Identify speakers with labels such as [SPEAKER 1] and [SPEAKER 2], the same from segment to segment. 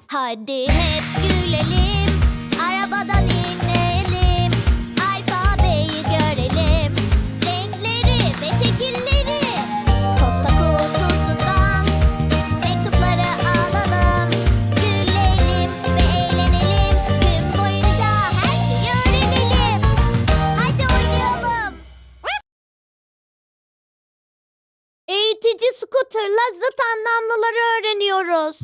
[SPEAKER 1] Hadi hep gülelim, arabadan inelim, alfabeyi görelim, renkleri ve şekilleri. Posta kutusundan mektupları alalım, gülelim ve eğlenelim, gün boyunca her şeyi öğrenelim. Hadi oynayalım. Eğitici Scooter'la zıt anlamlıları öğreniyoruz.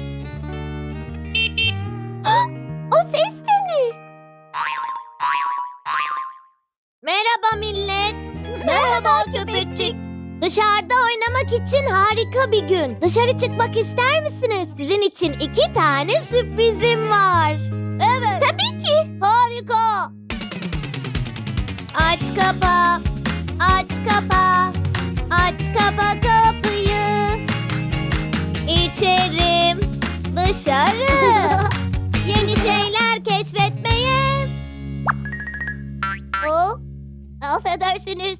[SPEAKER 1] O ses de ne? Merhaba millet. Merhaba köpekçik. Dışarıda oynamak için harika bir gün. Dışarı çıkmak ister misiniz? Sizin için 2 tane sürprizim var. Evet. Tabii ki. Harika. Aç kapa, aç kapa, aç kapa kapıyı. İçerim, dışarı. Yeni şeyler keşfetmeye. Affedersiniz.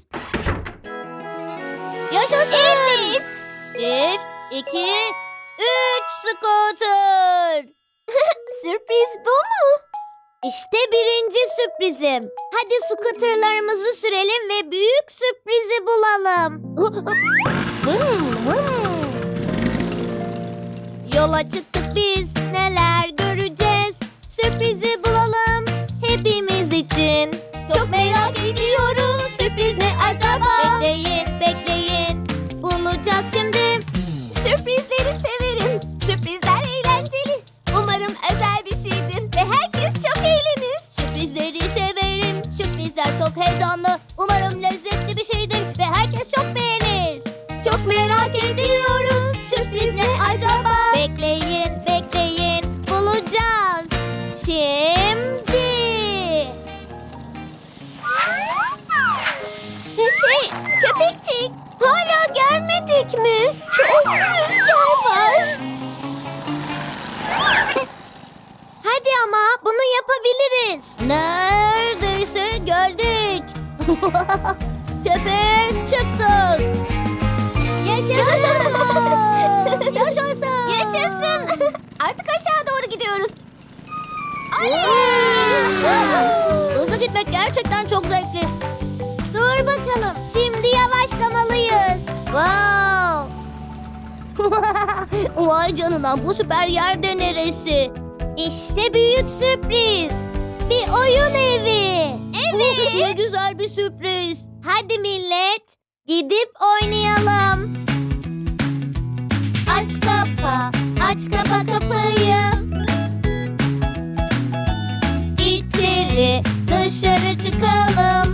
[SPEAKER 1] Yaşasın. Evet. 1, 2, 3 scooter. Sürpriz bu mu? İşte birinci sürprizim. Hadi scooterlarımızı sürelim ve büyük sürprizi bulalım. Yola çıktık biz, neler göreceğiz? Sürprizi bulalım hepimiz için. Çok merak ediyoruz, sürpriz ne acaba? Bekleyin, bekleyin, bulacağız şimdi.
[SPEAKER 2] Sürprizleri severim. Sürprizler eğlenceli. Umarım özel bir şeydir ve herkes çok eğlenir.
[SPEAKER 1] Sürprizleri severim, sürprizler çok heyecanlı. Umarım lezzetli bir şeydir ve herkes çok beğenir.
[SPEAKER 2] Çok merak ediyoruz. Sürpriz ne acaba?
[SPEAKER 1] Bekleyin, bekleyin, bulacağız. Şimdi.
[SPEAKER 2] Köpekçik, hala gelmedik mi? Çok rüzgar var.
[SPEAKER 1] Hadi ama bunu yapabiliriz. Neredeyse geldik. Tepeye çıktık. Yaşasın. Yaşasın.
[SPEAKER 2] Yaşasın. Artık aşağı doğru gidiyoruz.
[SPEAKER 1] Hızlı gitmek gerçekten çok zevkli. Dur bakalım. Şimdi yavaşlamalıyız. Wow. Vay canına, bu süper yer de neresi? İşte büyük sürpriz. Bir oyun evi.
[SPEAKER 2] Evet.
[SPEAKER 1] Ne güzel bir sürpriz. Hadi millet, gidip oynayalım. Aç kapa, aç kapa kapıyı. İçeri, dışarı çıkalım.